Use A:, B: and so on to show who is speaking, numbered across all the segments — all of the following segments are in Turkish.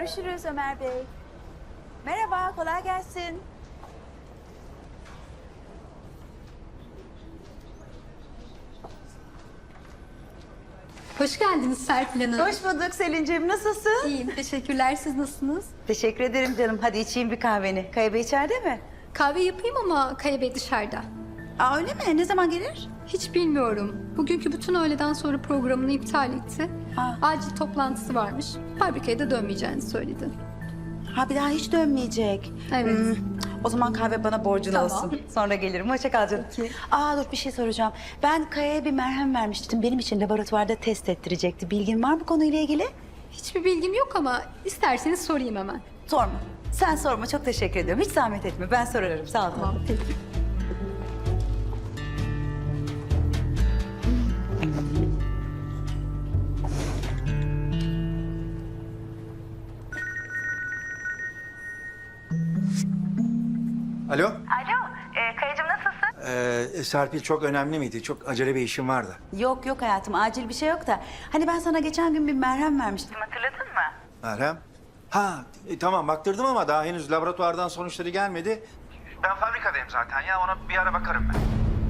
A: Görüşürüz Ömer Bey. Merhaba, kolay gelsin.
B: Hoş geldiniz Serpil Hanım.
A: Hoş bulduk Selin'ciğim, nasılsın?
B: İyiyim, teşekkürler. Siz nasılsınız?
A: Teşekkür ederim canım. Hadi içeyim bir kahveni. Kaya Bey içeride mi?
B: Kahve yapayım ama Kaya Bey dışarıda.
A: Aa öyle mi? Ne zaman gelir?
B: Hiç bilmiyorum. Bugünkü bütün öğleden sonra programını iptal etti. Acil toplantısı varmış. Fabrikaya da dönmeyeceğini söyledi.
A: Ha bir daha hiç dönmeyecek.
B: Evet.
A: O zaman kahve bana borcun
B: Tamam.
A: olsun. Sonra gelirim. Hoşça kal canım.
B: Peki.
A: Aa dur bir şey soracağım. Ben Kaya'ya bir merhem vermiştim. Benim için laboratuvarda test ettirecekti. Bilgin var mı konuyla ilgili?
B: Hiçbir bilgim yok ama isterseniz sorayım hemen.
A: Sorma. Sen sorma. Çok teşekkür ediyorum. Hiç zahmet etme. Ben sorarım. Sağ ol.
B: Tamam, peki.
C: Alo?
D: Alo, Kayacığım nasılsın?
C: Serpil çok önemli miydi? Çok acele bir işim vardı.
A: Yok hayatım. Acil bir şey yok da. Hani ben sana geçen gün bir merhem vermiştim.
D: Hatırladın mı?
C: Meryem? Ha, tamam baktırdım ama daha henüz laboratuvardan sonuçları gelmedi. Ben fabrikadayım zaten ya, ona bir ara bakarım ben.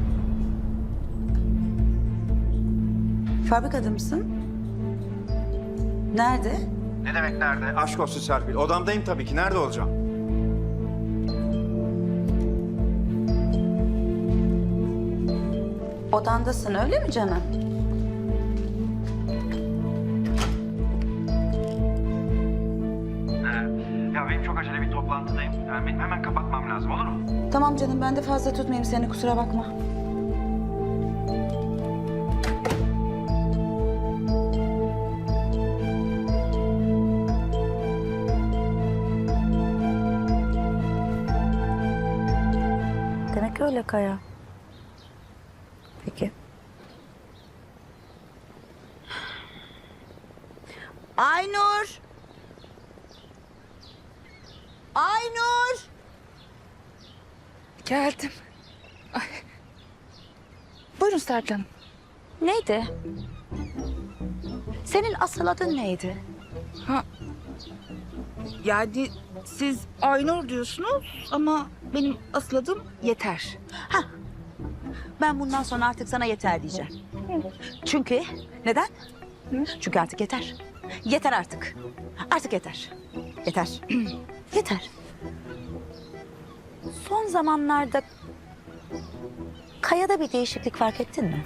A: Fabrikada mısın? Nerede?
C: Ne demek nerede? Aşk olsun Serpil. Odamdayım tabii ki. Nerede olacağım?
A: Odandasın öyle mi canım?
C: Ya benim çok acele bir toplantıdayım. Yani benim hemen kapatmam lazım, olur mu?
A: Tamam canım ben de fazla tutmayayım seni kusura bakma. Demek öyle Kaya. Peki. Aynur! Aynur!
E: Geldim. Ay. Buyurun Serpil Hanım.
A: Neydi? Senin asıl adın neydi?
E: Yani siz Aynur diyorsunuz ama benim asıl adım Yeter.
A: Ben bundan sonra artık sana yeter diyeceğim. Çünkü neden? Çünkü artık yeter. Yeter artık. Artık yeter. Yeter. Yeter. Son zamanlarda Kaya'da bir değişiklik fark ettin mi?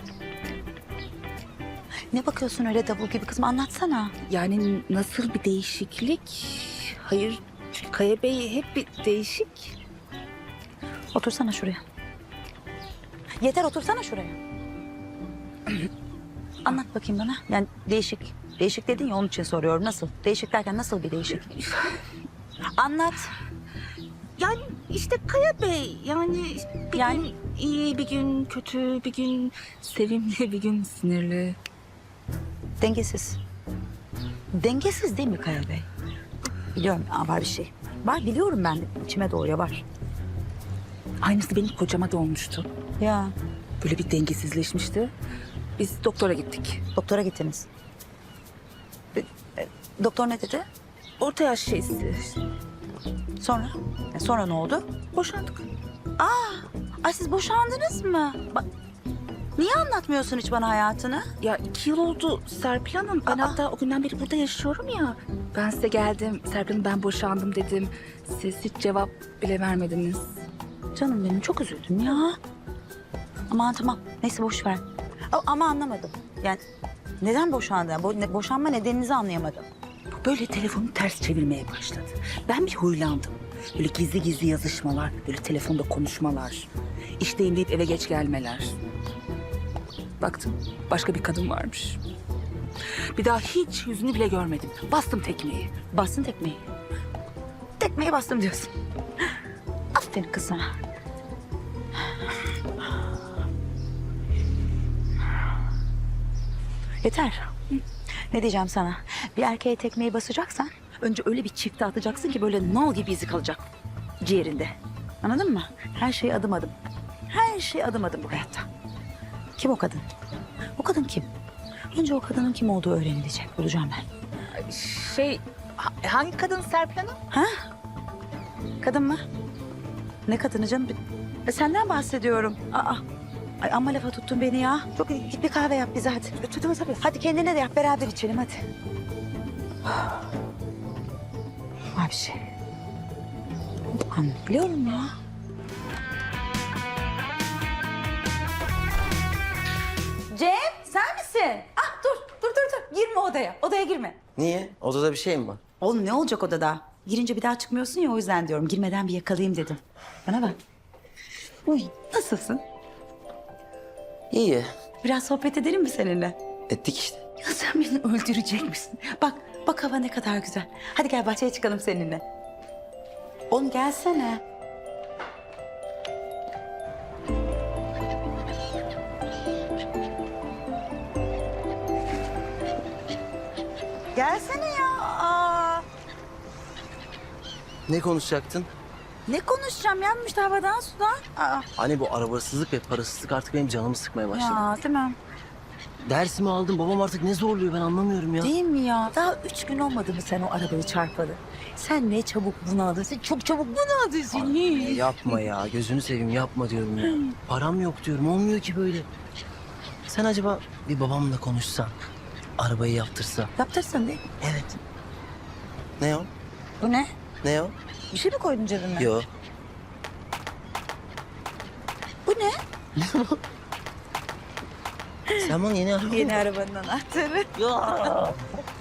A: Ne bakıyorsun öyle davul gibi kızım anlatsana.
E: Yani nasıl bir değişiklik? Hayır, Kaya Bey hep bir değişik.
A: Otursana şuraya. Yeter otursana şuraya. Anlat bakayım bana. Yani değişik. Değişik dedin ya onun için soruyorum. Nasıl? Değişik derken nasıl bir değişik? Anlat.
E: Yani işte Kaya Bey yani bir
A: Yani?
E: gün iyi, bir gün kötü, bir gün sevimli, bir gün sinirli.
A: Dengesiz. Dengesiz değil mi Kaya Bey? Biliyorum var bir şey. Var biliyorum ben. İçime doğuyor var.
E: Aynısı benim kocama da olmuştu.
A: Ya
E: Böyle bir dengesizleşmişti. Biz doktora gittik.
A: doktora gittiniz. Doktor ne dedi?
E: Orta yaş şeysi.
A: Sonra? Sonra ne oldu?
E: Boşandık.
A: Ay siz boşandınız mı? Niye anlatmıyorsun hiç bana hayatını?
E: Ya 2 yıl oldu Serpil Hanım. Ben hatta o günden beri burada yaşıyorum ya. Ben size geldim. Serpil Hanım ben boşandım dedim. Siz hiç cevap bile vermediniz.
A: Canım benim çok üzüldüm ya. Aman tamam. Neyse boş ver. Ama anlamadım. Yani neden boşandın? Boşanma nedeninizi anlayamadım.
E: Böyle telefonu ters çevirmeye başladı. Ben bir huylandım. Böyle gizli gizli yazışmalar, böyle telefonda konuşmalar. İşteyim deyip eve geç gelmeler. Baktım başka bir kadın varmış. Bir daha hiç yüzünü bile görmedim. Bastım tekmeyi.
A: Bastın tekmeyi. Tekmeyi bastım diyorsun. Aferin kız sana. Yeter. Ne diyeceğim sana? Bir erkeğe tekmeyi basacaksan önce öyle bir çifte atacaksın ki böyle nal gibi izi kalacak ciğerinde. Anladın mı? Her şey adım adım. Her şey adım adım bu hayatta. Kim o kadın? O kadın kim? Önce o kadının kim olduğu öğrenilecek. Bulacağım ben.
E: Şey Hangi kadın Serpil Hanım?
A: Ha? Kadın mı? Ne kadını canım? Senden bahsediyorum. Aa. Ay amma lafa tuttun beni ya. Çok git bir kahve yap bize hadi. Tabii. Hadi kendine de yap beraber içelim hadi. Var bir şey. Anlıyorum ya. Cem sen misin? Ah dur. Girme odaya. Odaya girme.
F: Niye? Odada bir şey mi var?
A: Oğlum ne olacak odada? Girince bir daha çıkmıyorsun ya o yüzden diyorum. Girmeden bir yakalayayım dedim. Bana bak. Uy nasılsın?
F: İyi.
A: Biraz sohbet edelim mi seninle?
F: Ettik işte.
A: Ya sen beni öldürecek misin? Bak hava ne kadar güzel. Hadi gel bahçeye çıkalım seninle. Oğlum gelsene. Gelsene ya. Aa,
F: Ne konuşacaktın?
A: ne konuşacağım ya işte havadan sudan. Aa,
F: Hani bu arabasızlık ve parasızlık artık benim canımı sıkmaya başladı.
A: ya değil mi?
F: Dersimi aldım. Babam artık ne zorluyor ben anlamıyorum ya.
A: Değil mi ya? Daha 3 gün olmadı mı sen o arabayı çarpalı? Sen ne çabuk bunaldın. Sen çok çabuk bunaldın sen.
F: Yapma ya. Gözünü seveyim yapma diyorum ya. Param yok diyorum. Olmuyor ki böyle. Sen acaba bir babamla konuşsan. Arabayı yaptırsa.
A: Yaptırsın değil.
F: Evet. Ne o?
A: Bu ne?
F: Ne o?
A: Bir şey mi koydun cebime?
F: Yo.
A: Bu ne?
F: Sen bana yeni araba
A: Yeni arabanın anahtarı.
F: Ya.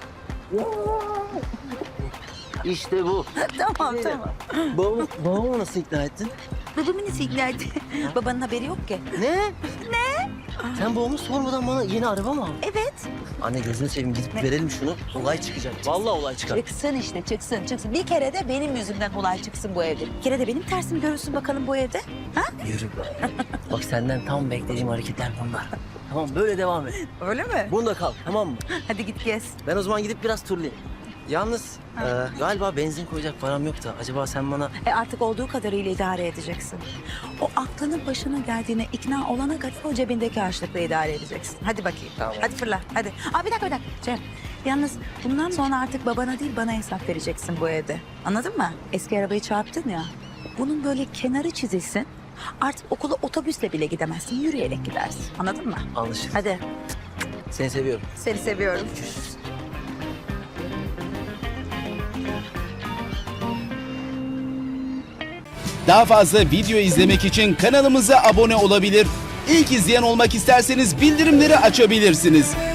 F: İşte bu.
A: tamam.
F: Babamı nasıl ikna ettin?
A: Babamı nasıl ikna etti? Babanın haberi yok ki.
F: Ne? Sen babamı sormadan bana yeni araba mı aldın?
A: Evet.
F: Anne gözünü seveyim gidip verelim şunu. Olay çıkacak. Vallahi olay çıkar.
A: Çıksın işte çıksın. Bir kere de benim yüzümden olay çıksın bu evde. Bir kere de benim tersimi görürsün bakalım bu evde. Ha?
F: Yürü be. Bak senden tam beklediğim hareketler bunlar. Tamam böyle devam et.
A: Öyle mi?
F: Bunda kal tamam mı?
A: Hadi git gez.
F: Ben o zaman gidip biraz turlayayım. Yalnız galiba benzin koyacak param yok da acaba sen bana...
A: Artık olduğu kadarıyla idare edeceksin. O aklının başına geldiğine ikna olana kadar o cebindeki harçlıkla idare edeceksin. Hadi bakayım.
F: Tamam.
A: Hadi fırla. Hadi. Bir dakika. Cem. Yalnız bundan sonra artık babana değil bana hesap vereceksin bu evde. Anladın mı? Eski arabayı çarptın ya. Bunun böyle kenarı çizilsin. Artık okula otobüsle bile gidemezsin. Yürüyerek gidersin. Anladın mı?
F: Anlaşıldı.
A: Hadi.
F: Seni seviyorum.
A: Seni seviyorum.
G: Daha fazla video izlemek için kanalımıza abone olabilir. İlk izleyen olmak isterseniz bildirimleri açabilirsiniz.